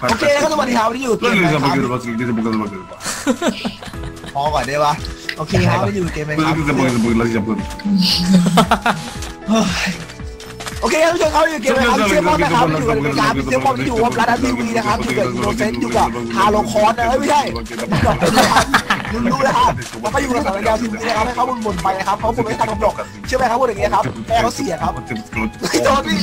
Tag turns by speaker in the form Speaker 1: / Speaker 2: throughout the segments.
Speaker 1: โอเคครับสวัสดีครับวันนี้อยู่เกมอะไรครับพอก่อนได้ปะโอเคครับวันนี้อยู่เกมอะไรครับโอเคครับทุกคนเขาอยู่เกมอะไรครับเซมอนนะครับอยู่กับรายการเซมอนที่อยู่กับร้านทีวีนะครับอยู่กับอินโนเซนต์อยู่กับฮาโลคอนนะไม่ใช่รู้นะครับแล้วก็อยู่กับรายการทีวีนะครับให้เขาบ่นไปนะครับเขาบ่นไม่ทันกำหนดเชื่อไหมครับพูดอย่างเงี้ยครับแม่เขาเสียครับไม่โดนพี่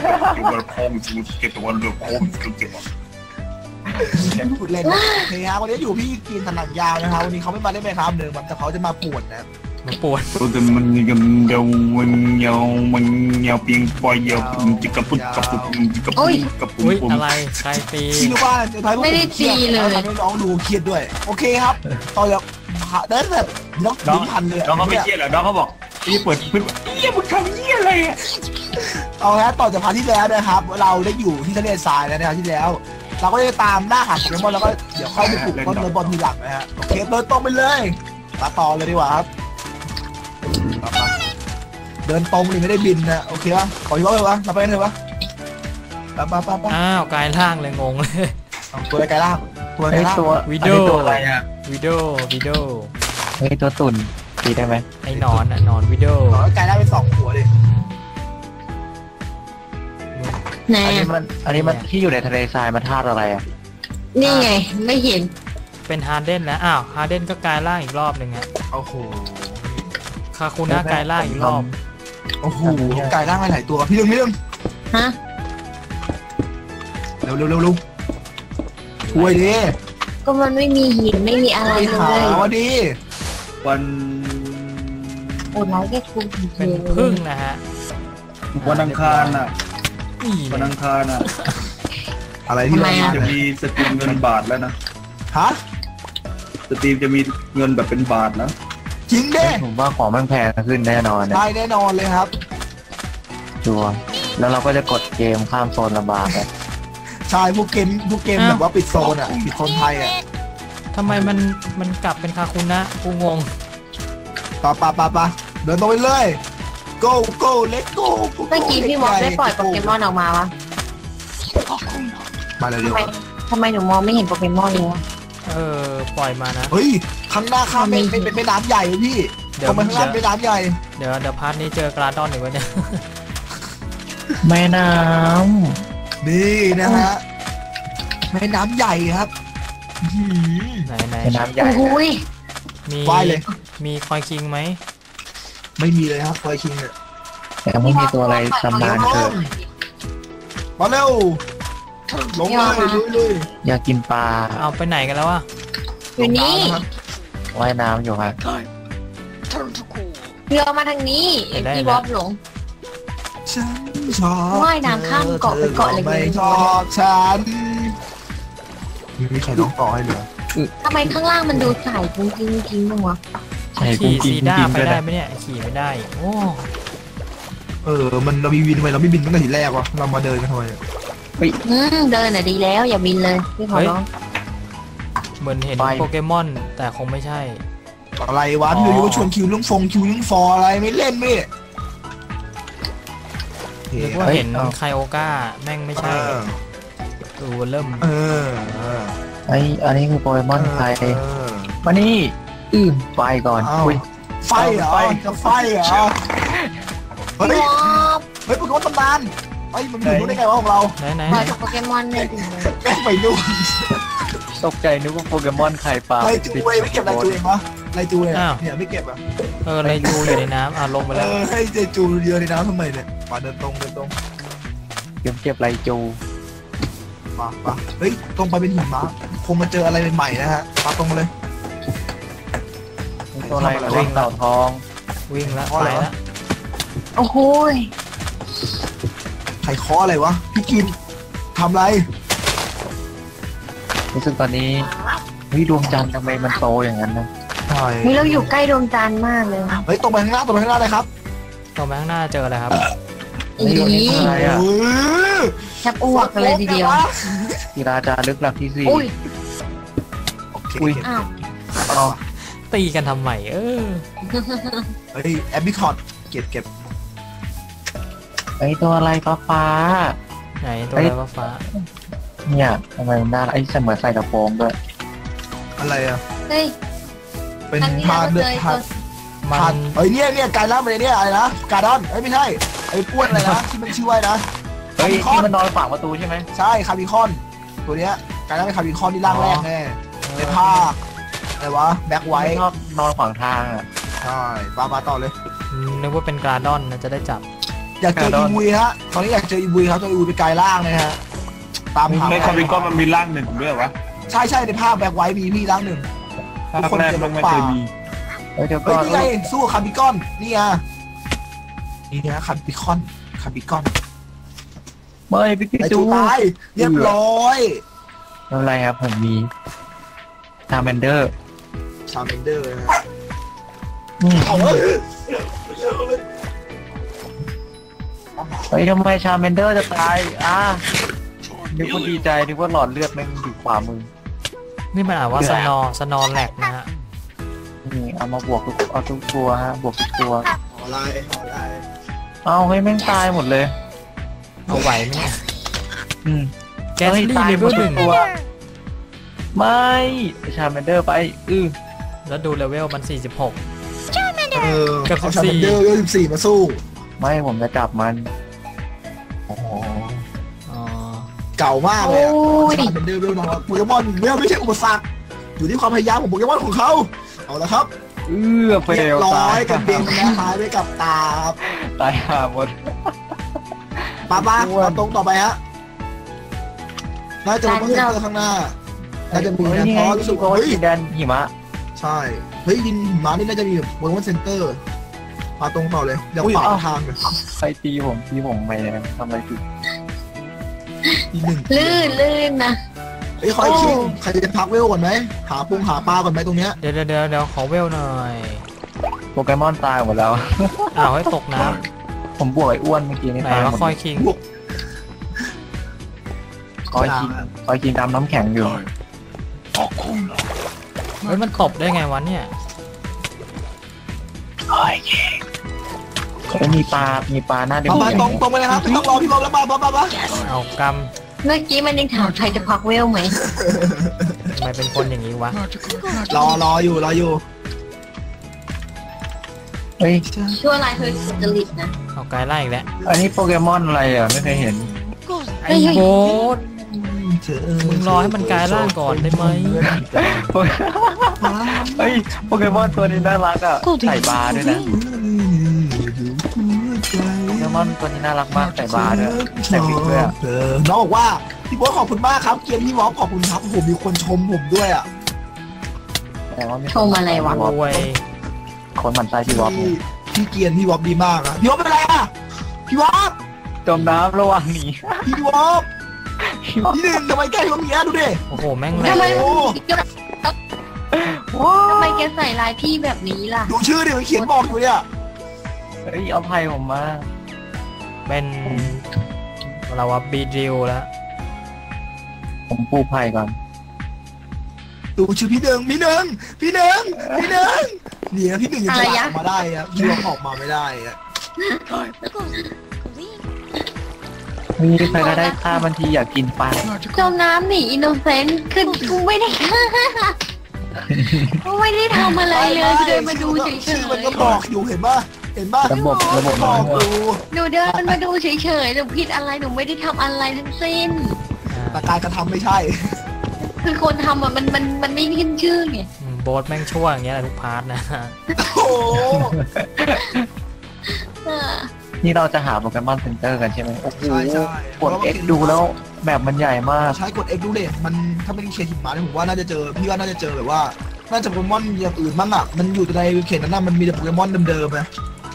Speaker 1: พูดเล่นโอเคครับวันนี้อยู่พี่กินถนัดยาวนะครับวันนี้เขาไม่มาได้ไหมครับเดิมแต่เขาจะมาป่วนนะ
Speaker 2: มันปวด
Speaker 3: มันยังเยาวเพียงปล่อยเยาวจิกกระปุกกระปุกจิกกระปุกกระปุก
Speaker 2: อะไรใครตี
Speaker 1: พี่รู้ว่าจะทำไม่ได้ตีเลยทำให้น้องดูเครียดด้วยโอเคครับตอนแบบเดินแบบน้องพันเลย
Speaker 3: น้องเขาไม่เครียดเหรอน้องเขาบอกพี่เปิดพึ่งมึงทำยี่อะไรอ่ะ
Speaker 1: เอาละต่อจากพาร์ทที่แล้วนะครับเราได้อยู่ที่ทะเลทรายแล้วนะครับที่แล้วเราก็จะตามล่าหาโปเกมอนแล้วก็เดี๋ยวเข้าไปปลุกต้นเรือบอลทีหลังนะฮะโอเคเดินตรงไปเลยมาต่อเลยดีกว่าครับเดินตรงเลยไม่ได้บินนะโอเคป่ะขออีกรอบเลยวะมาไปกันเถอะวะไป
Speaker 2: อ้าวกายล่างเลยงงเลย
Speaker 1: ตัวกายล่างตัวกายล่าง
Speaker 2: วิดีโออะไรอะวิดีโอ
Speaker 4: เฮ้ยตัวตุ่นตีได้ไหม
Speaker 2: ไอ้นอนอะนอนวิดีโอ
Speaker 1: กายล่างเป็น2 หัวเลย
Speaker 4: อันนี้มันที่อยู่ในทะเลทรายมันธาตุอะไรอ่ะ
Speaker 5: นี่ไงไม่เห็น
Speaker 2: เป็นฮาร์เดนนะอ้าวฮาร์เดนก็กายล่างอีกรอบหนึ่งฮะ
Speaker 1: โอ้โห
Speaker 2: คาคูน่ากายล่างอีกรอบ
Speaker 1: โอ้โหกายล่างหลายตัวพี่เรื่อง
Speaker 5: ฮะ
Speaker 1: เร็วช่วยดิ
Speaker 5: ก็มันไม่มีหินไม่มีอะไรเลย
Speaker 1: วันดี
Speaker 3: วัน
Speaker 5: โอ้ยแค่คุณ
Speaker 2: เป็นพึ่งนะฮะ
Speaker 3: วันอังคารน่ะวันอังคารน่ะ
Speaker 1: อะไรที่
Speaker 3: จะมีสตรีมเงินบาทแล้วนะ
Speaker 1: ฮะ
Speaker 3: สตรีมจะมีเงินแบบเป็นบาทนะ
Speaker 1: จริงดิ
Speaker 4: ผมว่าของมันแพงขึ้นแน่นอน
Speaker 1: ได้แน่นอนเลยครับ
Speaker 4: ชัวร์แล้วเราก็จะกดเกมข้ามโซนลำบากเลย
Speaker 1: ใช่พวกเกมแบบว่าปิดโซนอ่ะปิดโซนไทยอ่ะ
Speaker 2: ทำไมมันกลับเป็นคาคูนะกูงง
Speaker 1: ปะเดินตรงไปเลย go let's go
Speaker 5: เมื่อกี้พี่มอสได้ปล่อยโปเกมอนออกมาวะ
Speaker 1: มาเลยเดี๋ยว
Speaker 5: ทำไมหนูมองไม่เห็นโปเกมอนเลยวะ
Speaker 2: ปล่อยมานะ
Speaker 1: เฮ้ยข้างหน้าข้ามเป็นแม่น้ำใหญ่พี่เดี๋ยวมันข้างล่างเป็นน้ำใหญ่
Speaker 2: เดี๋ยวพาร์ทนี้เจอกราดอนหนึ่งวันเนี่ย
Speaker 4: แม่น้
Speaker 1: ำนี่นะฮะแม่น้ำใหญ่ครับ
Speaker 2: ไหน
Speaker 4: แม่น้ำใหญ่
Speaker 2: มีมีคอยคิงไหม
Speaker 1: ไม่มีเลยครับคอยคิงเนี่ย
Speaker 4: แต่ไม่มีตัวอะไรตำนานเกิด
Speaker 1: มาเร็วลงเลย
Speaker 4: อยากกินปลา
Speaker 2: เอาไปไหนกันแล้วอะ
Speaker 5: อยู่นี่
Speaker 4: ว่ายน้ำอยู่ครับ
Speaker 5: เรือมาทางนี้พี่บ๊อบหลงว่ายน้ำข้ามเกาะไปเกาะอะไร
Speaker 1: ไม่ชอบฉันมีใครร้องต่อให้เหรอ
Speaker 5: ทำไมข้างล่างมันดูใสกิ้งมั้งวะ
Speaker 2: ขี่ซีด้าไปได้ไหมเนี่ยขี่ไม่ได้โอ้
Speaker 1: มันเรามีวินทำไมเราไม่บินตั้งแต่ทีแรกวะเรามาเดินกันทำไม
Speaker 5: เดินน่ะดีแล้วอย่าบินเลยพี่ขอร้อง
Speaker 2: เหมือนเห็นโปเกมอนแต่คงไม่ใช่
Speaker 1: อะไรวะอยู่ๆชวนคิวเรื่องฟออะไรไม่เล่นไม่
Speaker 2: เรียกว่าเห็นไคโอก้าแม่งไม่ใช่ดูเริ่ม
Speaker 4: อันนี้คือโปเกมอนไทยมานี่ไฟก่อน
Speaker 1: ไฟเหรอจะไฟเหรอเฮ้ยโปเกมอนตำนานมันอยู่ได้ไงวะของเรา
Speaker 2: ไหน
Speaker 5: โปเกมอนเลย
Speaker 1: แม่งไปนู่น
Speaker 4: ตกใจนึกว่าโปเกมอนไข่ปลา
Speaker 1: ไรจูไม่เก็บไรจูเองวะไรจูเนี่ยไม่เก็บอ่ะ
Speaker 2: ไรจูอยู่ในน้ำลงไปแล้ว
Speaker 1: ให้เจจูเรือในน้ำทำไมเนี่ยมาเดินตรง
Speaker 4: เก็บไรจู
Speaker 1: มาเฮ้ยตรงไปเป็นหิมะคงมาเจออะไรใหม่ๆนะฮะมาตรงเลย
Speaker 4: ตัวอะไรวิ่งเต่าทอง
Speaker 2: วิ่งแล้วไปแล้ว
Speaker 5: โอ้โห
Speaker 1: ใครเคาะอะไรวะพี่กินทำไร
Speaker 4: รู้สึกตอนนี้ดวงจันทร์ทำไมมันโตอย่างนั้นนะ
Speaker 5: นี่เราอยู่ใกล้ดวงจันทร์มากเลย
Speaker 1: เฮ้ยตรงไปข้างหน้าเลยครับ
Speaker 2: ตรงไปข้างหน้าเจออะไรครับ
Speaker 4: อะไรอ่ะ
Speaker 5: แทบอ้วกเลยทีเดียว
Speaker 4: กีฬาจารึกหลักที่4
Speaker 1: อุ้ย
Speaker 2: ตีกันทำไม
Speaker 1: เฮ้ยแอปบิคอร์ดเก็บ
Speaker 4: ไอตัวอะไรฟ้า
Speaker 2: ไหนตัวอะไรฟ้า
Speaker 4: เนี่ยทำไมมันน่ารักไอ้เสมือนใส่กระโปรงด้วย
Speaker 1: อะไรอ่ะ
Speaker 5: เฮ้ย
Speaker 1: เป็น
Speaker 5: อันนี้
Speaker 1: พา
Speaker 5: เรา
Speaker 1: เดือ
Speaker 5: เค
Speaker 1: ด
Speaker 5: ย
Speaker 1: พา
Speaker 2: มัน
Speaker 1: พาเอ้ยเนี่ยกายล่างไปเนี่ยอะไรนะการดอนเอ้ยไม่ใช่ไอ้อ้วนอะไรนะที่มันชื่อว่านะ
Speaker 4: เฮ้ยที่มันนอนขวางประตูใช่ไหม
Speaker 1: ใช่คาร์บิคอนตัวเนี้ยกายล่างเป็นคาร์บิคอนที่ร่างแรกแน่ในภาคอะไรวะแบ็คไว
Speaker 4: ไม่
Speaker 1: ท์
Speaker 4: ชอบนอนขวางทางอ่ะ
Speaker 1: ใช่มาต่อเลย
Speaker 2: นึกว่าเป็นกราดอนนะจะได้จับ
Speaker 1: อยากเจออีวุยฮะตอนนี้อยากเจออีวุยครับตัวอีวุยเป็นกายล่างเลยฮะตามหา
Speaker 3: ในคอมพิวเตอร์มันมีร่างหนึ่งด้วยวะ
Speaker 1: ใช่ในภาคแบ็คไวท์มีพี่ร่างหนึ่ง
Speaker 3: ภาคแรกมันไม่เคยมี
Speaker 4: เฮ้ยเดี๋ยว
Speaker 1: เฮ้
Speaker 4: ก่
Speaker 1: ย
Speaker 4: อน
Speaker 1: นี่ไงสู้คาร์บิคอนนี่ไงนี่นะคาร์บิคอน
Speaker 4: ไม่พี่
Speaker 1: ไอ
Speaker 4: จู
Speaker 1: จูตายเรียบร้อย
Speaker 4: ไม่เป็นไรครับผมมีชาแมนเดอร์
Speaker 1: ชาเมนเดอร์นะ
Speaker 4: เฮ้ยทำไมชาแมนเดอร์จะตายนึกว่าดีใจนึกว่าหลอดเลือดมันอยู่ขวามือ
Speaker 2: นี่มันอ่านว่าสนอแหลกนะฮะ
Speaker 4: นี่เอามาบวกเอาทุกตัวฮะบวกทุกตัว
Speaker 1: อะไร
Speaker 4: เอาให้แม่งตายหมดเลย
Speaker 2: เอาไหวไหมเนี่ย
Speaker 4: อืม
Speaker 2: แกสลี่เลเวลหนึ่ง
Speaker 4: ไม่ชาแมนเดอร์ไป
Speaker 2: แล้วดูเลเวลมัน 46 กับ
Speaker 1: เอา
Speaker 2: 14
Speaker 1: ชาเมนเดอร์14มาสู้
Speaker 4: ไม่ผมจะจับมัน
Speaker 2: อ๋อ
Speaker 1: เก่ามากเลยอะชาเมนเดอร์เวลน้อยโปเกมอนเวลไม่ใช่อุปสรรคอยู่ที่ความพยายามของโปเกมอนของเขาเอาละครับ
Speaker 4: เฟ
Speaker 1: เรีย
Speaker 4: ล
Speaker 1: บร้อย
Speaker 4: ตาย
Speaker 1: กันเบนนะหายไปกับตาครับ
Speaker 4: ตายหาหมด
Speaker 1: ป้ามาตรงต่อไปฮะน่าจะเป็นเซ็นเตอร์ข้างหน้าน่าจะมี
Speaker 4: เฮ้ย
Speaker 1: นะ
Speaker 4: นี่
Speaker 1: เพ
Speaker 4: ไง
Speaker 1: ราะรู้สึก
Speaker 4: โก
Speaker 1: ว่าเฮ้ย
Speaker 4: สีแดนหิมะ
Speaker 1: ใช่เฮ้ยดินหิมานี่น่าจะมีแบบโปเกมอนเซ็นเตอร์มาตรงต่อเลยเดี๋ยวขวางทางเลย
Speaker 4: ใครตีผมไปเนี่ยทำอะไรผิด
Speaker 1: อีกหนึ่ง
Speaker 5: ลื่นนะ
Speaker 1: เฮ้ยคอยคิดใครจะพักเวลก่อนไหมหาปลาก่อนไหมตรงเนี้ย
Speaker 2: เดี๋ยวขอเวลหน่อย
Speaker 4: โปเกมอนตายหมดแล้ว
Speaker 2: อ้าวให้ตกน้
Speaker 4: ผมบวกไอ้อ้วนเมื่อกี้
Speaker 2: ำ
Speaker 4: นี่
Speaker 2: ไหน
Speaker 4: ตายหม
Speaker 2: ว่า
Speaker 4: ด
Speaker 2: คอยคิง
Speaker 4: คอยกินตามน้ำแข็งอยู่
Speaker 2: เฮ้ยมันตบได้ไงวะเนี่ย
Speaker 4: เฮ้ยมีปลาหน้าเด็ก
Speaker 1: มาตรงไปเลยครับไม่ต้องรอพี่บอมแล้วมา
Speaker 2: เอาก
Speaker 5: เมื่อกี้มันยังถามใครจะพักเวลไหม
Speaker 2: ำทำไมเป็นคนอย่างนี้วะ
Speaker 1: รออยู่
Speaker 4: เฮ้ย
Speaker 5: ชั่วร้ายเธอสุจริตนะ
Speaker 2: เอาไกลไล่อีกแล้ว
Speaker 4: อันนี้โปเกมอนอะไรอ่ะไม่เคยเห็น
Speaker 2: ไอ้โบสมึงรอให้มันกลายร่างก่อนได้ไหม
Speaker 4: เฮ้ยโปเกมอนตัวนี้น่ารักอ่ะใส่บาร์ด้วยนะโปเกมอนตัวนี้น่ารักมากใส่บาร์ด้วยใส่วิกด้วยอ่ะ
Speaker 1: น้องบอกว่าพี่บอสขอบคุณมากครับเกียร์พี่วอฟขอบคุณครับผมมีคนชมผมด้วยอ่ะ
Speaker 4: แต่ว่าไม่
Speaker 5: ชมอะไรวะ
Speaker 2: โอ้ย
Speaker 4: คนหมั่นไส้พี่วอฟ
Speaker 1: พี่เกียร์พี่วอฟดีมากอะพี่วอฟเป็นไรอ่ะพี่วอฟ
Speaker 4: จมน้ำระหว่างหนี
Speaker 1: พี่วอฟพี่หนึ่งทำไมแกพี่วอฟอย่างเงี้ยดูดิ
Speaker 2: โอ้โหแม่งแหล
Speaker 5: ทำไม
Speaker 2: ก
Speaker 5: ทำไมแกใส่ลายพี่แบบนี้ล่ะ
Speaker 1: ดูชื่อดิมันเขียนบอกอยู่เนี่ย
Speaker 4: เฮ้ยเอาไพ่ผมมา
Speaker 2: เป็นเราว่าบีดิวแล้ว
Speaker 4: ผมปูไพ่ก่อน
Speaker 1: ดูชื่อพี่หนึ่งเนี่ยพี่หนึ่งยังจะออกมาได้อะพี่วอฟออกมาไม่ได้อะ
Speaker 4: มีใครก็ได้ฆ่ามันทีอยากกินปลา
Speaker 5: จมน้ำหนีอินโนเซนต์คือกูไม่ได้กูไม่ได้ทำอะไรเลยเดินมาดูเฉย
Speaker 1: ชื่อมันก็บอกอยู่เห็นป่ะ
Speaker 4: ระบบ
Speaker 1: บ
Speaker 4: น้
Speaker 1: อ
Speaker 4: อย
Speaker 1: กอยู่
Speaker 5: ๆหนูเดินมาดูเฉยๆหนูผิดอะไรหนูไม่ได้ทำอะไรทั้งสิ้น
Speaker 1: แต่การกระทำไม่ใช่
Speaker 5: คือคนทำอ่ะมันไม่ขึ้นชื่อไง
Speaker 2: โบสแม่งชั่วอย่างเงี้ยแหละทุกพาร์ทนะ
Speaker 1: โอ้โห
Speaker 4: นี่เราจะหาโปเกมอนเซ็นเตอร์กันใช่ไหมโอ้โห
Speaker 1: ใช่
Speaker 4: กด X ดูแล้วแบบมันใหญ่มาก
Speaker 1: ใช้กด X ดูเด็มันถ้าไม่ได้เขียนหิมะเนี่ยผมว่าน่าจะเจอพี่ว่าน่าจะเจอแบบว่าน่าจะโปเกมอนอย่างอื่นบ้างอ่ะมันอยู่ในเขตนั้นน่ะมันมีแต่โปเกมอนเดิมๆนะ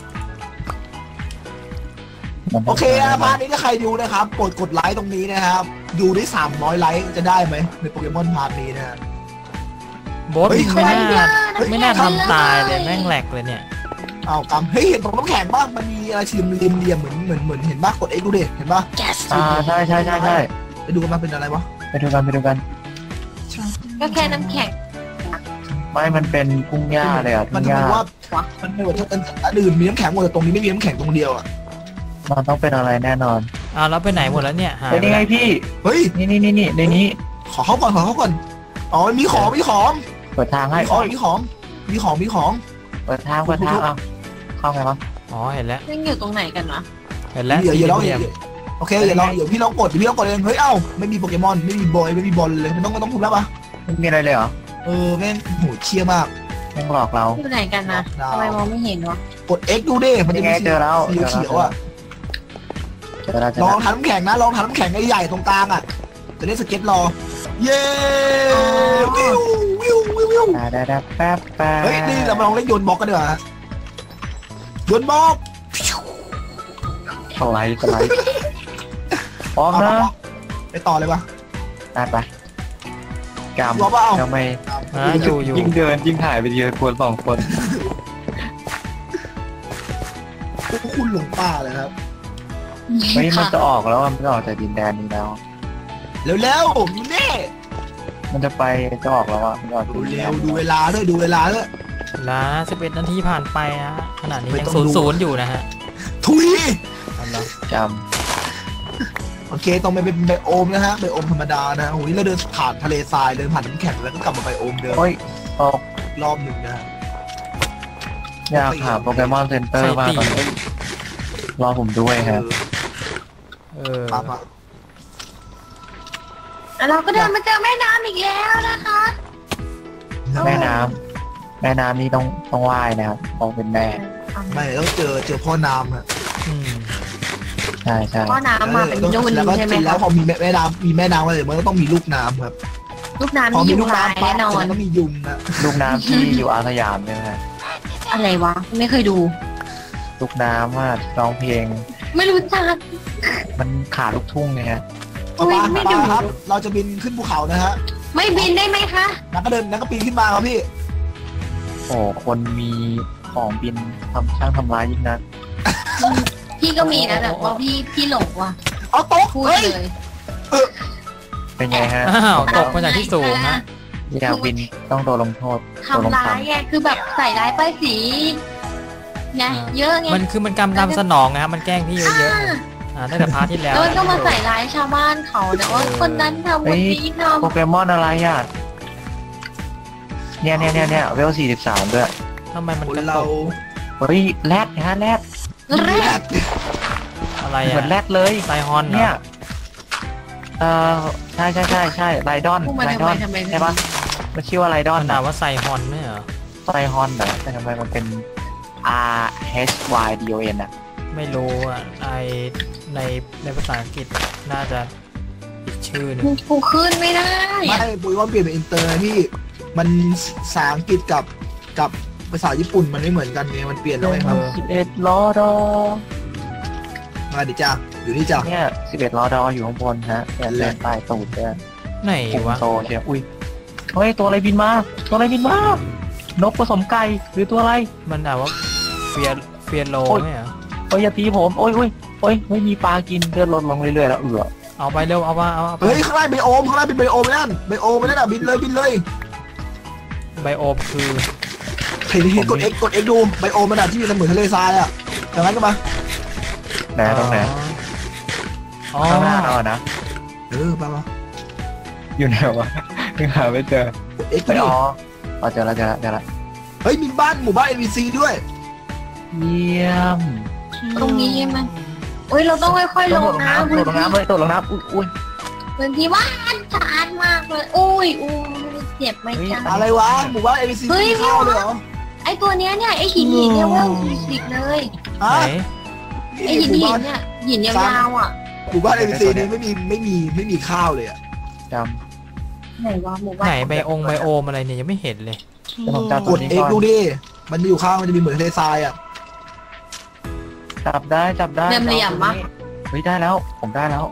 Speaker 1: โอเคนะพาร์ทนี้ถ้าใครดูนะครับโปรดกดไลค์ตรงนี้นะครับดูได้300ไลค์จะได้ไหมในโปเกมอนพาร์ทนี้นะ
Speaker 2: โบส
Speaker 1: เฮ้ย
Speaker 2: ไม่น่าทำตายเลยแม่งแหลกเลยเนี่ย
Speaker 1: เอากำเฮ้ยเห็นตรงน้ำแข็งบ้างมันมีอะไรสี่เหลี่ยมเหมือนเห็นบ้างกด X ดูเด็เห็นป่ะ
Speaker 4: ใช่
Speaker 1: ไปดูกันมาเป็นอะไรวะ
Speaker 4: ไปดูกัน
Speaker 5: ก็แค่น้ำแข็ง
Speaker 4: ไม่มันเป็นกุ้งย่าเลยอ่ะ
Speaker 1: มั
Speaker 4: กุ้
Speaker 1: น
Speaker 4: ง
Speaker 1: จะ
Speaker 4: ย่า
Speaker 1: บอกว่ามันไม่เหมือนอันอื่นมีน้ำแข็งหมดแต่ตรงนี้ไม่มีน้ำแข็งตรงเดียวอ่ะ
Speaker 4: มันต้องเป็นอะไรแน่นอน
Speaker 2: แล้วไปไหนหมดแล้วเนี่ยหาย
Speaker 4: เป็นยังไงพี่
Speaker 1: เฮ้ย
Speaker 4: นี่ในนี้
Speaker 1: ขอเข้าก่อนอ๋อมีของ
Speaker 4: เปิดทางให้
Speaker 1: มีของ
Speaker 4: เปิดทางเอาเข้าไงวะ
Speaker 2: อ๋อเห็นแล้ว
Speaker 5: ยังอยู่ตรงไหนกันวะ
Speaker 2: เห็นแล้ว
Speaker 1: เดี๋ยวลอง
Speaker 2: สี่เหลี่ยม
Speaker 1: โอเคเดี๋ยวพี่ลองกดเองเฮ้ยเอ้าไม่มีโปเกมอนไม่มีบอยไม่มีบอลเลยไม่ต้องทุบแล้วปะ
Speaker 4: ไม่มีอะไรเลยเหรอ
Speaker 1: แม่งโหเชี่ยมาก
Speaker 4: แม่งหลอกเรา
Speaker 5: อยู่ไหนกันนะทำไมมองไม่เห็นวะ
Speaker 1: กด X ดูดิมันจะมี
Speaker 4: เจอแล้ว
Speaker 1: สีเขียวอ่ะ
Speaker 4: เจอแล้ว
Speaker 1: ลองทำน้ำแข็งนะลองทำน้ำแข็งใหญ่ๆตรงกลางอ่ะจะได้สเก็ตรอเย้วิว
Speaker 4: ได้แป๊บ
Speaker 1: เฮ้ยนี่เรามาลองเล่นโยนบล็อกกันดีกว่าโยนบล็อก
Speaker 4: สไลด์พร้อมนะ
Speaker 1: ไปต่อเลยปะ
Speaker 4: ไปกำ
Speaker 1: รอเปล่า
Speaker 4: ทำไม
Speaker 2: อยู่
Speaker 4: ยิ่งเดินยิ่งถ่ายไปทีละคน2 คน
Speaker 1: พวกคุณหลงป่าเลยครับ
Speaker 4: เฮ้ยมันจะออกแล้วมันจะออกจากดินแดนนี้แล้ว
Speaker 1: เร็วๆอยู่นี่
Speaker 4: มันจะไปจะออกแล้วมันจะออกจากดินแดน
Speaker 1: ดูเวลาด้วย
Speaker 2: ล้า11 นาทีผ่านไปนะขณะนี้
Speaker 1: ไม่
Speaker 2: ยัง
Speaker 1: ต้องดู
Speaker 2: 0-0อยู่นะฮะ
Speaker 1: ทุย
Speaker 2: เอาละ
Speaker 4: จ
Speaker 1: โอเคต้องไปเป็นไบโอมนะฮะไบโอมธรรมดานะโอ้ยเราเดินผ่านทะเลทรายเดินผ่านน้ำแข็งแล้วก็กลับมาไบโอมเดิม
Speaker 4: ำโอ้ยออก
Speaker 1: รอบหนึ่งนะฮะ
Speaker 4: อยากหาโปเกมอนเซ็นเตอร์มากตอนนี้รอผมด้วยครับ
Speaker 1: ตามมา
Speaker 5: แล้วเราก็เดินมาเจอแม่น้ำอีกแล้วนะคะ
Speaker 4: แม่น้ำนี่ต้องว่ายนะครับต้องเป็นแม่
Speaker 1: ไม่ต้องเจอพ่อน้ำฮะ
Speaker 2: อืม
Speaker 4: ใช่
Speaker 5: ก็น้ำมาเป็นนุ่น
Speaker 1: แล้วก็
Speaker 5: ใช่ไหม
Speaker 1: แล้
Speaker 5: คะ
Speaker 1: วพอมีแม่น้ำอะไรมันก็ต้องมีลูกน้ำครับ
Speaker 5: ลูกน้ำ
Speaker 1: พอ
Speaker 5: ที่
Speaker 1: มี
Speaker 5: อยู่
Speaker 1: ลูก
Speaker 5: หาย
Speaker 1: น้ำปั๊
Speaker 5: แน่
Speaker 1: บ
Speaker 5: นอน
Speaker 1: มันก็มียุงนะ
Speaker 4: ลูกน้ำที่อยู่อาสยามใช่ไหมฮะ
Speaker 5: อะไรวะไม่เคยดู
Speaker 4: ลูกน้ำว่าร้องเพลง
Speaker 5: ไม่รู้จัก
Speaker 4: มันขาลูกทุ่งไงฮะ
Speaker 5: อุ๊ยไม่ดู
Speaker 1: ครับ เราจะบินขึ้นภูเขานะฮะ
Speaker 5: ไม่บินได้ไหมคะ
Speaker 1: นักก็เดินนักก็ปีนขึ้นมาครับพี่
Speaker 4: โอ้คนมีของบินทำร้ายยิ่งนัก
Speaker 5: พี่ก็มีนะแต่ว่าพี่หลงว่ะ
Speaker 1: เอาโต๊ะ
Speaker 5: พูด
Speaker 1: เฮ้ย
Speaker 5: เลย
Speaker 4: เป็นไงฮะ
Speaker 2: อ้าวตกมาจากที่สูงนะ
Speaker 4: อยากบินต้องโดนลงโทษ
Speaker 5: ทำร้ายไงคือแบบใส่ร้ายป้ายสีไงเยอะไง
Speaker 2: มันกำตามสนองนะครับมันแกล้งพี่เยอะๆตั้งแต่พาร์ทที่แล้ว
Speaker 5: แล้วก็มาใส่ร้ายชาวบ้านเขาแต่ว่าคนนั้นทำคนนี้ท
Speaker 4: โปเกมอนอะไรอ่ะเนี่ยเวล43ด้วย
Speaker 2: ทำไมมัน
Speaker 1: คน
Speaker 2: กระ
Speaker 1: เรา
Speaker 2: ตก
Speaker 4: เฮ้ยแรดนะฮะแรด
Speaker 5: ำแร
Speaker 1: แร
Speaker 5: ก
Speaker 1: ด
Speaker 2: อะไร
Speaker 4: เหมือนแร
Speaker 2: อ่ะ
Speaker 4: ดเลย
Speaker 2: ไซฮอนเหรอ
Speaker 4: เนี่ยใช่ไรดอน
Speaker 5: พูดมา
Speaker 4: ไร
Speaker 5: ทำ
Speaker 4: ด
Speaker 5: ไม
Speaker 4: อน
Speaker 5: ทำไม
Speaker 4: ใช่ปะมันชื่อว่าไรดอน
Speaker 2: มันด่าว่าไซฮอนไม่เหรอ
Speaker 4: ไซฮอนเหรอแต่ทำไมมันเป็น RHYDON อ่ะ
Speaker 2: ไม่รู้อ่ะในภาษาอังกฤษน่าจะอีกชื่อหนึง
Speaker 5: กูขึ้นไม่ได้
Speaker 1: ไม่ปุ้ยว่าเปลี่ยนเป็นอินเตอร์นะพี่มันภาษาอังกฤษกับภาษาญี่ปุ่นมันไม่เหมือนกันไงมันเปลี่ยนแล้วไงครับ
Speaker 4: 11ล้อดอ
Speaker 1: มาดิจ้าอยู่นี่จ้า
Speaker 4: เนี่ย11ล้อดออยู่ข้างบนฮะแต่แรงใต้ตูดเนี่ย
Speaker 2: ไหน
Speaker 4: ปุ่ม
Speaker 2: วะ
Speaker 4: โตเชียวอุ้ยเฮ้ยตัวอะไรบินมานกผสมไก่หรือตัวอะไร
Speaker 2: มันด่าว่าเฟียโล
Speaker 4: โอ้ย
Speaker 2: ไม่เหรอ
Speaker 4: โอ้ยอย่าตีผมโอ้ยไม่มีปลากินเลือดลดลงเรื่อยๆแล้ว
Speaker 2: เอาไปเร็วเอาไป
Speaker 1: เฮ้ยข้างล่างเป็นไบโอมข้างล่างเป็นไบโอมนั่นไบโอมนั่นอ่ะบินเลย
Speaker 2: ไบโอมคือ
Speaker 1: เห็นกด X ดูไบโอมมันอ่ะที่มีเหมือนทะเลทรายอ่ะอย่างนั้นก็มา
Speaker 4: ไหนตรงไหน
Speaker 2: อ๋อ
Speaker 4: ข้างหน้าเราอะนะ
Speaker 1: มา
Speaker 4: อยู่ไหนวะยังหาไม่เจอก
Speaker 1: ด X
Speaker 4: ไป
Speaker 1: ดิ
Speaker 4: อ๋อเจอแล้ว
Speaker 1: เฮ้ยมีหมู่บ้าน NPC ด้วย
Speaker 4: เยี่ยม
Speaker 5: ตรงนี้ใช่ไหมอุ้ยเราต้องค่อยๆลงน้ำ
Speaker 4: โดดลงน้ำเลยโดดลงน้ำอุ้ย
Speaker 5: พื้นที่ว่านสะอาดมากเลยอุ้ยเจ็บไหมจ๊ะ
Speaker 1: อะไรวะหมู่บ้าน NPC
Speaker 5: เฮ้ย
Speaker 1: มีข้าวเลยเหรอ
Speaker 5: ไอตัวเนี้ยเนี่ยไอหินเนี่ยเว่าสิกเลย
Speaker 1: ฮะ
Speaker 2: ไหน
Speaker 5: ไอหินเนี่ยหินยาวๆอ่ะ
Speaker 1: หมู่บ้าน NPC นี่ไม่มีข้าวเลยอ่ะ
Speaker 4: จ
Speaker 5: ไหนวะหมู่บ้าน
Speaker 2: ไหนไบโอมอะไรเนี่ยยังไม่เห็นเลย
Speaker 4: ำจะผมจับ
Speaker 1: ก
Speaker 4: ตัว
Speaker 1: ด
Speaker 4: นี้
Speaker 1: X
Speaker 4: ก่อน
Speaker 1: ดูดิมันมีอยู่ข้างมันจะมีเหมือนทะเลทรายอ่ะ
Speaker 4: จับได้
Speaker 5: เหลี่ยมๆปะ
Speaker 4: เฮ้ยได้แล้วผมได้แล้ว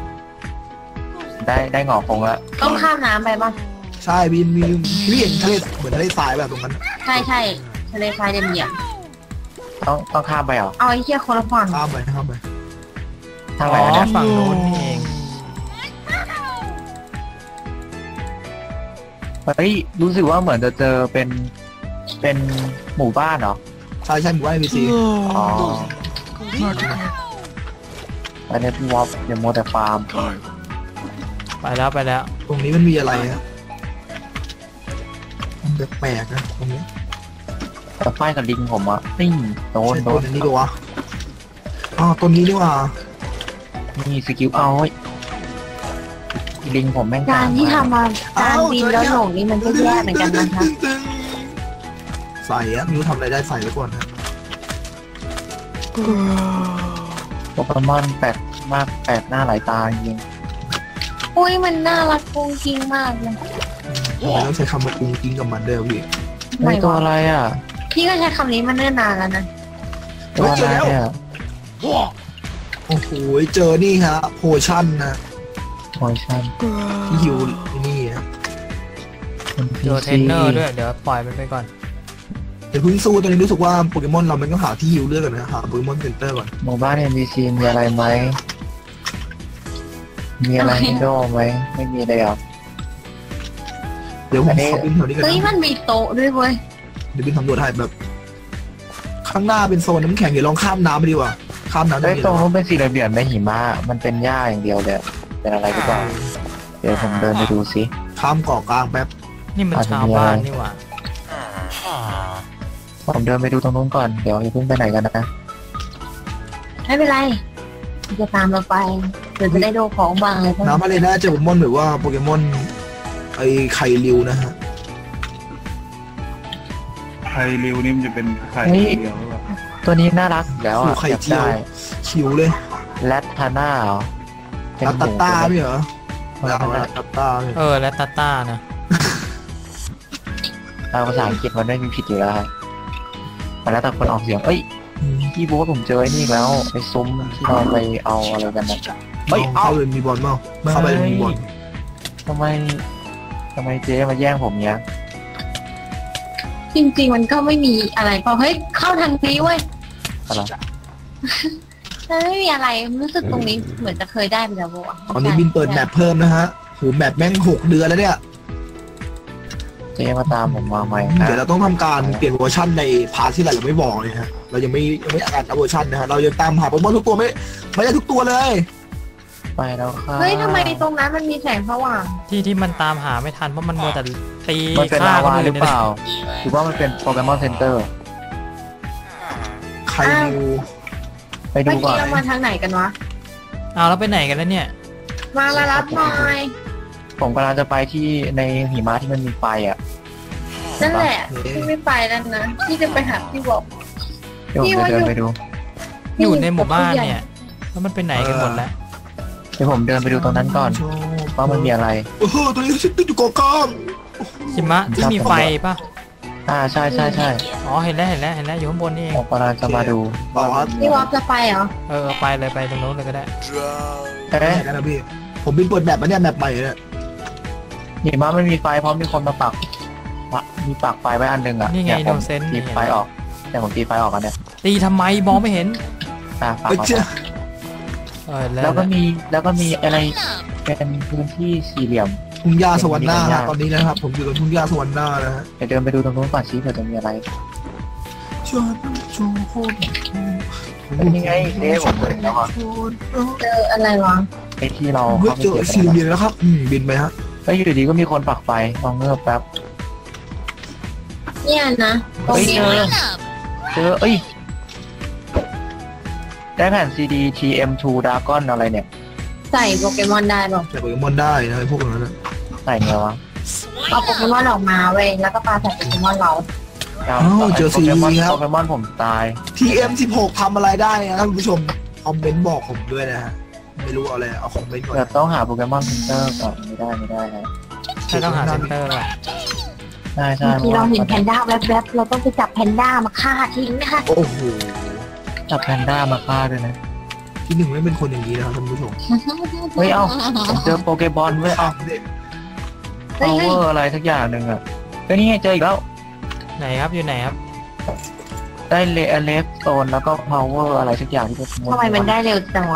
Speaker 4: ได้หงอกคงแล้ว
Speaker 5: ต้องข้ามน้ำไปป่ะ
Speaker 1: ใช่มีพี่เห็นทะเลเหมือนทะเลทรายแบบตรงนั้น
Speaker 5: ใช่ทะเลทรายเหลี่ยม
Speaker 4: ต้องข้ามไปเหรอ
Speaker 5: เอาไอ้เหี้ยคนละฝั่ง
Speaker 1: ข้ามไป
Speaker 4: ทาง
Speaker 2: อ๋
Speaker 4: ไหน
Speaker 2: อ
Speaker 4: เนี่ย
Speaker 2: ฝั่งโน้นนี่เอง
Speaker 4: เฮ้ยรู้สึกว่าเหมือนจะเจอเป็นหมู่บ้านเหรอ
Speaker 1: ใช่หมู่บ้าน NPC
Speaker 4: อ๋ออันนี้พี่วอฟอย่ามัวแต่ฟาร์ม
Speaker 2: ไปแล้วไปแล้ว
Speaker 1: ตรงนี้มันมีอะไรฮะมันแปลกๆนะตรงนี้
Speaker 4: แต่ไฟกับลิงผมอะนี่โดน
Speaker 1: ใช่
Speaker 4: โด
Speaker 1: ต้
Speaker 4: น
Speaker 1: นนี้ปะวะอ๋อต้นนี้นี่หว่า
Speaker 4: นี่สกิลเอาลิงผมแม่ง
Speaker 5: การที่ทำมาการบินแล้วหลงนี่มันก็แย่เหมือนกันนะคะ
Speaker 1: ใส่อะไม่รู้ทำอะไรได้ใส่ไว้ก่อนนะ
Speaker 4: โปเกมอนแปลกมากแปลกหน้าหลายตาจริง
Speaker 5: อุ้ยมันน่ารักกุ้งกิ้งมากเลย
Speaker 1: ต้องใช้คำว่ากุ้งกิ้งกับมันเด้อพี่
Speaker 4: ไอตัวอะไรอ่ะ
Speaker 5: พี่ก็ใช้คำนี้มาเนิ่นนานแล้วนะ
Speaker 4: ตัวอะไรเนี่ย
Speaker 1: โอ้โหเจอนี่ฮะโพชั่นนะ
Speaker 4: โมชั่น
Speaker 1: ที่ฮิวนี่ฮะ
Speaker 2: เจอเทรนเนอร์ด้วยเดี๋ยวปล่อยมันไปก่อน
Speaker 1: เดี๋ยวเพิ่งสู้ตอนนี้รู้สึกว่าโปเกมอนเรามันต้องหาที่ฮิวเลือดก่อนนะหาโปเกมอนเซ็นเตอร์ก่อน
Speaker 4: หมู่บ้าน NPC มีอะไรไหมมีอะไรให้โดไหมไม่มีเลยอ่ะ
Speaker 1: เดี๋ยวผมขอบินแถวนี้กัน
Speaker 5: เฮ้ย
Speaker 1: นะ
Speaker 5: มันมีโต๊ะด้วยเว้ย
Speaker 1: เดี๋ยวบินสำรวจให้แบบ ข้างหน้าเป็นโซนน้ำแข็งเดี๋ยวลองข้ามน้ำไปดีกว่าข้ามน้ำ
Speaker 4: ไอ้
Speaker 1: ได้
Speaker 4: ตรงนู้นเป็นสี่เหลี่ยมในหิมะมันเป็นหญ้าอย่างเดียวเลยเป็นอะไรหรือเปล่าเดี๋ยวผมเดินไปดูสิ
Speaker 1: ข้ามเกาะกลางแป๊บ
Speaker 2: นี่มันชาวบ้านนี่หว่า
Speaker 4: ผมเดินไปดูตรงนู้นก่อนเดี๋ยวอย่าเพิ่งไปไหนกันนะ
Speaker 5: ไม่เป็นไรจะตามเราไปเดี๋ยวจะได้โดของบางเลยเพราะ
Speaker 1: น้ำอะไรนะเจอโปเกมอนหรือว่าโปเกมอนไอ้ไข่ริวนะฮะ
Speaker 3: ไข่ริวนี่มันจะเป็นไข่เดียวหรือเปล่า
Speaker 4: ตัวนี้น่ารักอยู่แล้ว
Speaker 1: ขู่
Speaker 4: อ่ะ
Speaker 1: ไข่
Speaker 4: อยาก
Speaker 1: เจียว
Speaker 4: ได้
Speaker 1: ชิวเลย
Speaker 4: แรดทาน่าเหรอเป็น
Speaker 1: ลา
Speaker 4: ห
Speaker 1: ตา
Speaker 4: มู
Speaker 1: ต้าไม่เหรอ
Speaker 4: ตัว
Speaker 1: ลา
Speaker 4: นั้น
Speaker 1: ตาต้าเนี่ย
Speaker 2: และตาต้านะ
Speaker 4: ภาษาอังกฤษมันไม่มีผิดอยู่แล้วครับแต่แล้วแต่คนออกเสียงเอ้ยพี่บอกว่าผมเจอไอ้นี่อีกแล้วไอ้ซุ้มที่เราไปเอาอะไรกันนะ
Speaker 1: ไม่เอาเลยมีบอลเปล่าเข้าไปเลยมีบอล
Speaker 4: ทำไมเจ๊มาแย่งผมเนี้ย
Speaker 5: จริงๆมันก็ไม่มีอะไรพอเฮ้ยเข้าทางนี้เว้ย
Speaker 4: อะไร
Speaker 5: มันไม่มีอะไรรู้สึกตรงนี้เหมือนจะเคยได้ไปแล้ววะ
Speaker 1: ตอนนี้บินเปิดแมปเพิ่มนะฮะโหแมปแม่ง6 เดือนแล้วเนี่ย
Speaker 4: เจ๊มาตามผมมาใหม่นะ
Speaker 1: เดี๋ยวเราต้องทำการเปลี่ยนเวอร์ชันในพาร์ทที่เราไม่บอกเลยฮะเรายังไม่อ่านเวอร์ชันนะฮะเรายังตามหาโปเกมอนทุกตัวไม่ได้ทุกตัวเลย
Speaker 4: ไปแล้วค่ะ
Speaker 5: เฮ้ยทำไมตรงนั้นมันมีแสงสว่าง
Speaker 2: ที่มันตามหาไม่ทันเพราะมันมัวแต่ตี
Speaker 4: มันเป็น
Speaker 2: ฆ่า
Speaker 4: ลา
Speaker 2: คน
Speaker 4: วา
Speaker 2: อื่น
Speaker 4: หรือ
Speaker 2: เนี่ย
Speaker 4: เปล่าหรือว่ามันเป็นโปเกมอนเซ็นเตอร์
Speaker 1: ใครดู
Speaker 4: ไปดู
Speaker 5: เมื่อ
Speaker 4: ก่อ
Speaker 5: กี้
Speaker 4: น
Speaker 5: เรามาทางไหนกันวะ
Speaker 2: เอาแล้วไปไหนกันแล้วเนี่ย
Speaker 5: มาละรับหน่อย
Speaker 4: ผมกำลังจะไปที่ในหิมะที่มันมีไฟอ่ะ
Speaker 5: นั่นแหละพี่ไม่ไปแล้วนะพี่จะไปหาพี่บอก
Speaker 4: เดี๋ยวผมจะเดินไปดู
Speaker 2: อยู่ในหมู่บ้านเนี่ยแล้วมันไปไหนกันหมดแล้ว
Speaker 4: เดี๋ยวผมเดินไปดูตรงนั้นก่อนว่ามันมีอะไร
Speaker 1: โอ้โหตัวนี้ฉันติดอยู่เกาะกลาง
Speaker 2: หิมะที่มีไฟป่ะ
Speaker 4: ใช่
Speaker 2: อ๋อเห็นแล้วอยู่ข้างบนนี่เอง
Speaker 4: ผมกำลังจะมาดู
Speaker 1: บอกว่า
Speaker 5: พี่วอฟจะไปเหรอ
Speaker 2: ไปเลยไปตรงโน้นเลยก็ได้
Speaker 4: เอ๊ะ
Speaker 1: ไหนกันนะพี่ผมบินเปิดแมปมาเนี่ยแมปใหม่เนี่ย
Speaker 4: หิมะไม่มีไฟเพราะมีคนมาปักมีปักไฟไว้อันหนึงอ่ะ
Speaker 2: นี่ไง
Speaker 4: ยผม
Speaker 2: โนเซนต์
Speaker 4: ตีไฟออกแต่ผมตีไฟออกกันเนี่ย
Speaker 2: ตีทำไมมองไม่เห็น
Speaker 4: ปัก
Speaker 1: ไปเจอ
Speaker 4: แล้วก็มีอะไรเป็นพื้นที่สี่เหลี่ยม
Speaker 1: ทุ่งหญ้าสวรรค์หน้าฮะตอนนี้นะครับผมอยู่ตรงทุ่งหญ้าสวรรค์หน้านะฮะ
Speaker 4: เดี๋ยวเดินไปดูตรงนู้นก่อนชี้เผื่อจะมีอะไร
Speaker 1: ชวนชูโคตร
Speaker 4: เป็นยังไงเจ๊ผมเห็นแล้วอ่ะ
Speaker 5: เจออะไรวะ
Speaker 4: ไอ้ที่เรา
Speaker 1: เฮ้ย
Speaker 4: เข้าไป
Speaker 1: เจอ
Speaker 4: เก็บ
Speaker 1: สี่
Speaker 4: กัน
Speaker 1: เหลี่ยมแล้วครับบินไปฮะ
Speaker 4: ก็อยู่ดีก็มีคนปักไฟลองเงือบแป๊บ
Speaker 5: เนี่ยนะตรง
Speaker 4: เฮ้ย
Speaker 5: นี้
Speaker 4: เจอเอ้ยได้แผ่น CD TM2 Dragon อะไรเนี่ย
Speaker 5: ใส่โปเกมอนได้หรอ
Speaker 1: แต่โปเกมอนได้นะไอ้พวกนั้นนะ
Speaker 4: ใส่ไงวะ
Speaker 5: เอาโปเกมอนออกมาเว้ยแล้วก็ปาใส่โปเกมอนเรา
Speaker 1: เจอ
Speaker 4: โป
Speaker 1: สี่
Speaker 4: เกมอน
Speaker 1: ครับ
Speaker 4: โปเกมอนผมตาย
Speaker 1: TM16 ทำอะไรได้นะท่านผู้ชมคอมเมนต์บอกผมด้วยนะฮะไม่รู้เอาอะไรเอาคอมเมนต์ก่อน
Speaker 4: เดี๋ยวต้องหาโปเกมอนเซ็นเตอร์ก่อนไม่ได้ฮะ
Speaker 2: ใช่ต้องหาเซ็นเตอร์อ่ะ
Speaker 4: ใช่
Speaker 5: เมื่อกี้เราเห็นแพนด้าแวบๆเราต้องไปจับแพนด้ามาฆ่าทิ้งนะคะ
Speaker 1: โอ้โห
Speaker 4: จับแพนด้ามาฆ่าด้วยนะ
Speaker 1: ที่หนึ่งไม่เป็นคนอย่างนี้นะครับท่านผู้ชม
Speaker 4: เฮ้ยเอ้าผมเจอโปเกบอลเว้ยเอ้า
Speaker 1: เด็ก
Speaker 5: เฮ้ย
Speaker 4: power อะไรสักอย่างหนึ่งอ่ะเฮ้ยนี่ไงเจออีกแล้ว
Speaker 2: ไหนครับอยู่ไหนครับ
Speaker 4: ได้เลฟโซนแล้วก็ power อะไรสักอย่างที่เป็น
Speaker 5: ทำไมมันได้เร็วจังวะ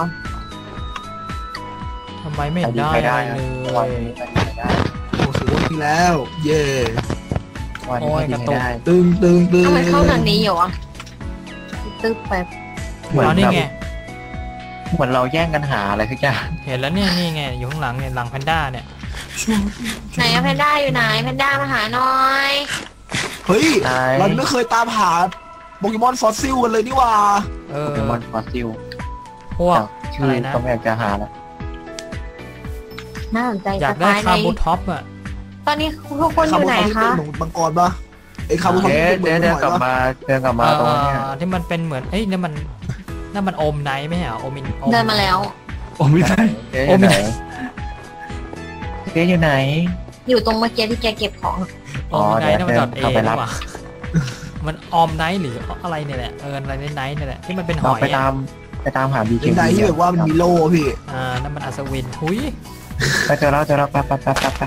Speaker 2: ทำไมไม่เห็นได้
Speaker 4: ไม่ได้
Speaker 2: อะไร
Speaker 4: นะ
Speaker 2: เล
Speaker 4: วัน
Speaker 2: ย
Speaker 4: นี้ไม่ได้
Speaker 1: โอ้โหทีแล้ว เย่
Speaker 4: วันนี้ไม่ได้
Speaker 1: ตึง
Speaker 5: ทำไมเข้าทางนี้อยู่อ่ะตึ๊บไป
Speaker 4: เหมือน
Speaker 2: อ๋อนี่
Speaker 4: แบบ
Speaker 2: ไง
Speaker 4: เหมือนเราแย่งกันหาอะไรสักอย่าง
Speaker 2: เห็นแล้วเนี่ยนี่ไงอยู่ข้างหลังเนี่ยหลังแพนด้าเนี่ย
Speaker 5: ไหนอะแพนด้าอยู่ไหนแพนด้ามาหาหน่อย
Speaker 1: เฮ้ยเราไม่เคยตามหาโปเกมอนฟอสซิลกันเลยนี่หว่า
Speaker 2: เอ
Speaker 4: โป
Speaker 2: อ
Speaker 4: เกมอนฟอสซิล
Speaker 2: พวก
Speaker 4: ชื่
Speaker 2: อะไร
Speaker 4: อ
Speaker 2: นะ
Speaker 4: ก็ไม่อยากจะหาแล้ว
Speaker 5: น่าสนใจ
Speaker 2: อยาก
Speaker 5: จะ
Speaker 2: ได้
Speaker 5: ตายใน
Speaker 2: คาบูท็อปอ่ะ
Speaker 5: ตอนนี้ทุกคนอยู่ไหน
Speaker 1: ที่
Speaker 5: คะ
Speaker 1: เป็นหนูมังกรปะไอ้คาบุทอม
Speaker 4: เอ๊ะ
Speaker 1: ที่เป็น
Speaker 4: เดี๋ยว
Speaker 1: ห
Speaker 4: เดิน
Speaker 1: อย
Speaker 4: กลับ
Speaker 1: ปะ
Speaker 4: มาเดินกลับมาตรงเนี้ย
Speaker 2: ที่มันเป็นเหมือนเอ้ยนั่นมันโอมไนท์ไม่ใช่เหรอโอมินโอ
Speaker 5: เดินมาแล้ว
Speaker 3: โอ้ไม่ได้
Speaker 4: เจ๊อยู่ไหนเจ๊อยู่ไหน
Speaker 5: อยู่ตรงเมื่อกี้ที่แกเก็บของ
Speaker 2: โอมไนท์นั่นมันดอทเอ
Speaker 4: เข้าไปรับ
Speaker 2: นี่หว่ามันออมไนท์หรืออะไรเนี่ยแหละอะไรไนท์เนี่ยแหละที่มันเป็นห
Speaker 4: เรา
Speaker 2: อย
Speaker 4: ไป
Speaker 2: อะ
Speaker 4: ตามหาบีเค
Speaker 1: เป็นไหนที่แบบว่ามันมีโล่พี่
Speaker 2: นั่นมันอัศวินทุย
Speaker 4: ไปเจอแล้วไป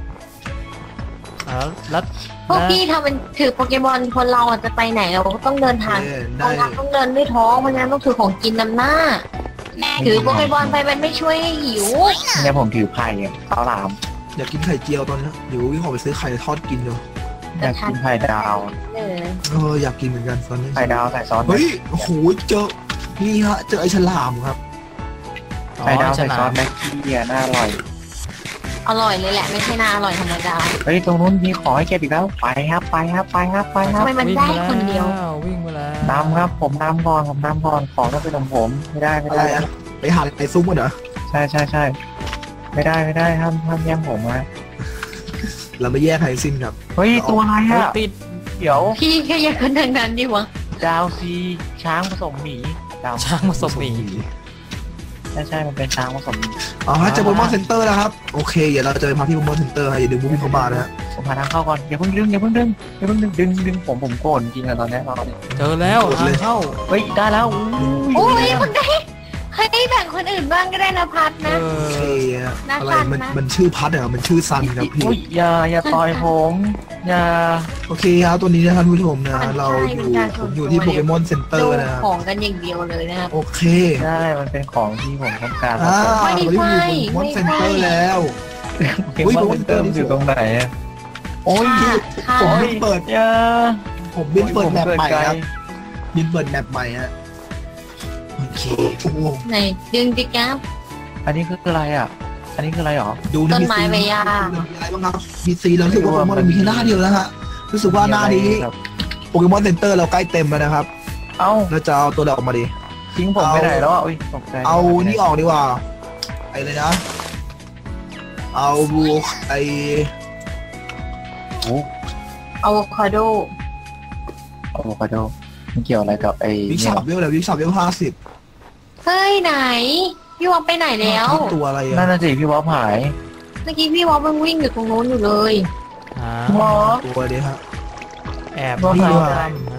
Speaker 2: แล้ว
Speaker 5: พวกพี่ทำเป็นถือโปเกมอนคนเราอะจะไปไหนเราก็ต้องเดินทาง
Speaker 1: ได้
Speaker 5: ต้องเดินด้วยท้องเพราะงั้นต้องถือของกินนำหน้า ถือโปเกมอนไปมันไม่ช่วยให้หิว
Speaker 4: เนี่ยผมถือไผ่ข้าวหลาม
Speaker 1: อยากกินไข่เจียวตอนนี้เดี๋ยววิ่งออกไปซื้อไข่ทอดกินอยู่
Speaker 4: อยากกินไข่ดาว
Speaker 1: อยากกินเหมือนกันตอนนี้
Speaker 4: ไข่ดาวใส่ซอส
Speaker 1: เฮ้ยโอ้โหเจอนี่ฮะเจอไอ้ฉลามครับ
Speaker 4: ไข่ดาวใส่ซอสแม็กกี้น่าอร่อย
Speaker 5: อร่อยเลยแหละไม่ใช่น่าอร่อยธรรมดา
Speaker 4: เฮ้ยตรงนู้นมีขอให้เก็บอีกแล้วไปครับ
Speaker 5: ทำไมมันได้คนเดียว
Speaker 2: วิ่งมาแล้ว
Speaker 4: นำครับผมนำก่อนของต้องเป็นของผมไม่ได้
Speaker 1: อะไรอะไปหาไอ้ซุ้มกันเหรอ
Speaker 4: ใช่ไม่ได้ห้ามแย่งผมนะ
Speaker 1: เราไม่แยกใครสิ้นครับ
Speaker 4: เฮ้ยตัวอะไรอ่ะ
Speaker 2: ติด
Speaker 4: เดี๋ยว
Speaker 5: พี่แค่อยากคนทางนั้นดิวะ
Speaker 4: ดาวซีช้างผสมหมีดาว
Speaker 2: ช้างผสมหมี
Speaker 4: ใช่มันเป็นช้างผสมหมี
Speaker 1: อ๋อฮะเจอโปเกมอนเซ็นเตอร์แล้วครับโอเคเดี๋ยวเราจะไปพักที่โปเกมอนเซ็นเตอร์อย่าดึงบุ้งเข้ามานะฮะ
Speaker 4: ผมหาทางเข้าก่อนอย่าเพิ่งดึงดึงผมโกรธจริงอะตอนนี้เราเนี่ย
Speaker 2: เจอแล้วทางเข้า
Speaker 4: เฮ้ยได้แล้ว
Speaker 5: โอ้ยคนได้เฮ้ยแบ่งคนอื่นบ้างก็ได้นะพัด
Speaker 2: เอ
Speaker 5: นะ
Speaker 1: โอเค
Speaker 2: อ
Speaker 1: อะ
Speaker 5: น่า
Speaker 1: อะไร
Speaker 5: ทาน
Speaker 1: มัน
Speaker 5: นะ
Speaker 1: มันชื่อพัดเหรอมันชื่อซันครับพี่
Speaker 4: อุ้ยอย่าต่อยผมอย่า
Speaker 1: โอเคครับตัวนี้นะครับผู้ชมนะเราผมอยู่ที่โปเกมอนเซ็นเตอ
Speaker 5: ดู
Speaker 1: ร์นะครับ
Speaker 5: ของกันอย่างเดียวเลยนะครับ
Speaker 1: โอเค
Speaker 4: ใช่มันเป็นของที่ผมต้องการ
Speaker 1: วันนี้อยู่โปเกมอนเซ็นเตอร์แล้ว
Speaker 4: เกมว่าเติมอยู่ตรงไหนอะโอ้ย
Speaker 5: ค่ะ
Speaker 1: ผมบินเปิด
Speaker 4: อย่า
Speaker 1: ผมบินเปิดแมปใหม่ครับบินเปิดแมปใหม่ฮะโอเคโอ้โห
Speaker 5: ไหนดึงดิครับ
Speaker 4: อันนี้คืออะไรอ่ะ อันนี้คืออะไรหรอ
Speaker 1: ดู
Speaker 5: ต้นไม้ใบหญ้า
Speaker 1: มีอะไรบ้างครับมีซีแล้วรู้สึกว่าโปเกมอนมันมีแค่หน้าเดียวแล้วฮะรู้สึกว่าหน้านี้โปเกมอนเซ็นเตอร์เราใกล้เต็มแล้วนะครับ
Speaker 4: เอ้า
Speaker 1: เราจะเอาตัวเราออกมาดิ
Speaker 4: ทิ้งผมไปไหนแล้วอ่ะอุ้ยตกใจ
Speaker 1: เอานี่ออกดีกว่าไอ้เลยนะ เอาบูไอ
Speaker 4: โอ้
Speaker 5: อะโวคาโด
Speaker 4: อะโวคาโดมันเกี่ยวอะไรกับไอ้
Speaker 1: วิก
Speaker 4: เนี่
Speaker 1: ช็
Speaker 4: ย
Speaker 1: อปเวลอะไรวิกช็อปเวล50
Speaker 5: เฮ้ยไหนพี่วอปไปไหนแล้ว
Speaker 1: ตัวอะไร
Speaker 4: นั่น
Speaker 1: อะ
Speaker 4: น่ะสิพี่วอฟหาย
Speaker 5: เมื่อกี้พี่วอปมันวิ่งอยู่ตรงนู้นอยู่เลย
Speaker 4: วอฟ
Speaker 1: ตัวเดียวฮะ
Speaker 2: แอบ
Speaker 4: ว่า
Speaker 2: นี่
Speaker 4: เขา
Speaker 2: ด้วย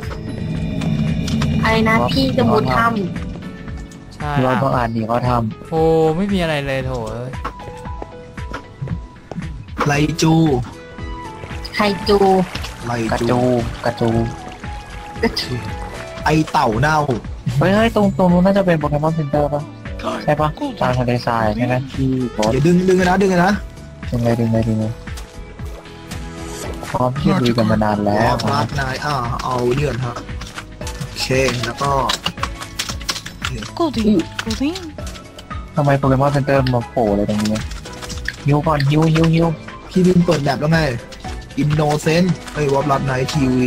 Speaker 5: อะไรนะพี่จะมุดถ้
Speaker 2: ใช่
Speaker 4: พี่วอฟต้องอ่านดีเขาท
Speaker 2: โอ้ไม่มีอะไรเลยโถเอ้ย
Speaker 1: ไลจู
Speaker 5: ำไคจู
Speaker 1: ไล
Speaker 4: ำกระ
Speaker 1: จู
Speaker 4: จูกระจู
Speaker 1: ไอเต่าเน่า
Speaker 4: เฮ้ยตรงนู้นน่าจะเป็นโปเกมอนเซ็นเตอร์ป่ะใช่ป่ะตามทะเลทรายใช่ไหมที่โบส
Speaker 1: อย่าดึงกันนะดึงกันนะ
Speaker 4: ดึงเลยพร้อมที่จะลุยกันมานานแล้ว
Speaker 1: ลาดนายเอาเนี่ยก่อนฮะโอเคแล้วก็
Speaker 4: ทำไมโปเกมอนเซ็นเตอร์มาโผล่อะไรตรงนี้ฮิวก่อนฮิว
Speaker 1: พี่บินเปิดแบบแล้วไงอินโนเซนต์ไอ้วอลลัดไนทีวี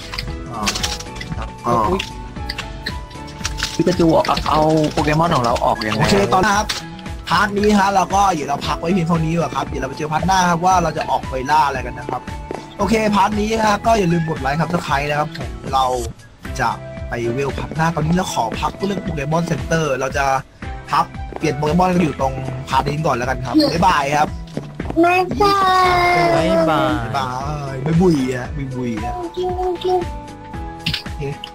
Speaker 4: พิกาจูเอาโปเกมอนของเราออกยังไง
Speaker 1: โอเคตอนนะครับพาร์ทนี้ฮะเราก็เดี๋ยวเราพักไว้เพียงเท่านี้ก่อนครับเดี๋ยวเราไปเจอพาร์ทหน้าครับว่าเราจะออกไปล่าอะไรกันนะครับโอเคพาร์ทนี้ฮะก็อย่าลืมกดไลค์ครับถ้าใครนะครับผมเราจะไปเวลพักหน้าตอนนี้เราขอพักเรื่องโปเกมอนเซ็นเตอร์เราจะพักเปลี่ยนโปเกมอนกันอยู่ตรงพาร์ทนี้ก่อนแล้วกันครับบ๊ายบายครับ
Speaker 5: แม่จ้า
Speaker 2: บ๊ายบาย
Speaker 1: บ๊ายบายไม่บุยอ่ะไม่บุยอ่ะโอเค